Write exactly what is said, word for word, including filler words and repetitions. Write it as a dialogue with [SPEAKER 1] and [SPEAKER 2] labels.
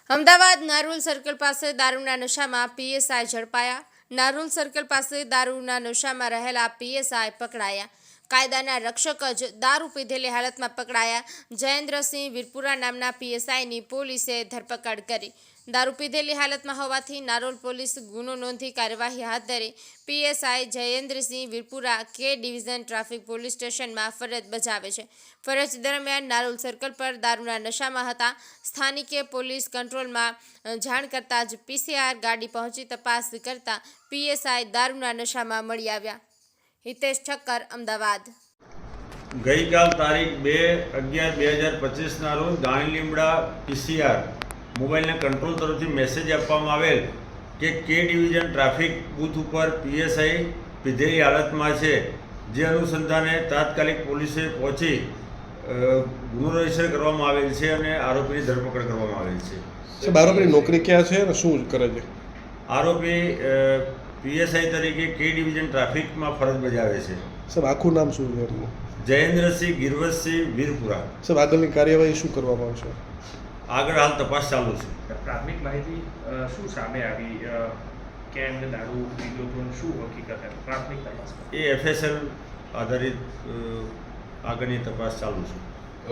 [SPEAKER 1] Ahmedabad Narol circle પાસે દારૂના નશામાં પીએસઆઈ ઝડપાયા। નારોલ સર્કલ પાસે દારૂના નશામાં રહેલા પીએસઆઈ પકડાયા। કાયદાના રક્ષક જ દારૂ પીધેલી હાલતમાં પકડાયા। જયેન્દ્રસિંહ વીરપુરા નામના પીએસઆઈની પોલીસે ધરપકડ કરી। દારૂ પીધેલી હાલતમાં હોવાથી નારોલ પોલીસ ગુનો નોંધી કાર્યવાહી હાથ ધરી। પીએસઆઈ જયેન્દ્રસિંહ વીરપુરા કે ડિવિઝન ટ્રાફિક પોલીસ સ્ટેશનમાં ફરજ બજાવે છે। ફરજ દરમિયાન નારોલ સર્કલ પર દારૂના નશામાં હતા। સ્થાનિકે પોલીસ કંટ્રોલમાં જાણ કરતા જ પીસીઆર ગાડી પહોંચી તપાસ કરતા પીએસઆઈ દારૂના નશામાં મળી આવ્યા। હિતેશ ઠક્કર, અમદાવાદ।
[SPEAKER 2] ગઈકાલ તારીખ બે અગિયાર બે હજાર પચીસના રોજ દાણી લીમડા પીસીઆર મોબાઈલના કંટ્રોલ તરફથી મેસેજ આપવામાં આવેલ કે કે ડિવિઝન ટ્રાફિક બૂથ ઉપર પીએસઆઈ પીધેલી હાલતમાં છે। જે અનુસંધાને તાત્કાલિક પોલીસે પહોંચી ગુનો રજીસ્ટર કરવામાં આવેલ છે અને આરોપીની ધરપકડ કરવામાં આવેલ છે।
[SPEAKER 3] સાહેબ, આરોપીની નોકરી ક્યાં છે અને શું કરે છે?
[SPEAKER 2] આરોપી પીએસઆઈ તરીકે કે ડિવિઝન ટ્રાફિકમાં ફરજ બજાવે છે।
[SPEAKER 3] સાહેબ, આખું નામ શું છે એમનું?
[SPEAKER 2] જયેન્દ્રસિંહ ગિરવતસિંહ વીરપુરા।
[SPEAKER 3] સાહેબ, આગળની કાર્યવાહી શું કરવામાં આવશે?
[SPEAKER 2] આગળ હાલ તપાસ ચાલુ છે।
[SPEAKER 4] પ્રાથમિક માહિતી શું સામે આવી? કેમ દારૂ પીધો તો શું હકીકત હતી? પ્રાથમિક તપાસ
[SPEAKER 2] એ એફએસએલ આધારિત આગળની તપાસ ચાલુ છે।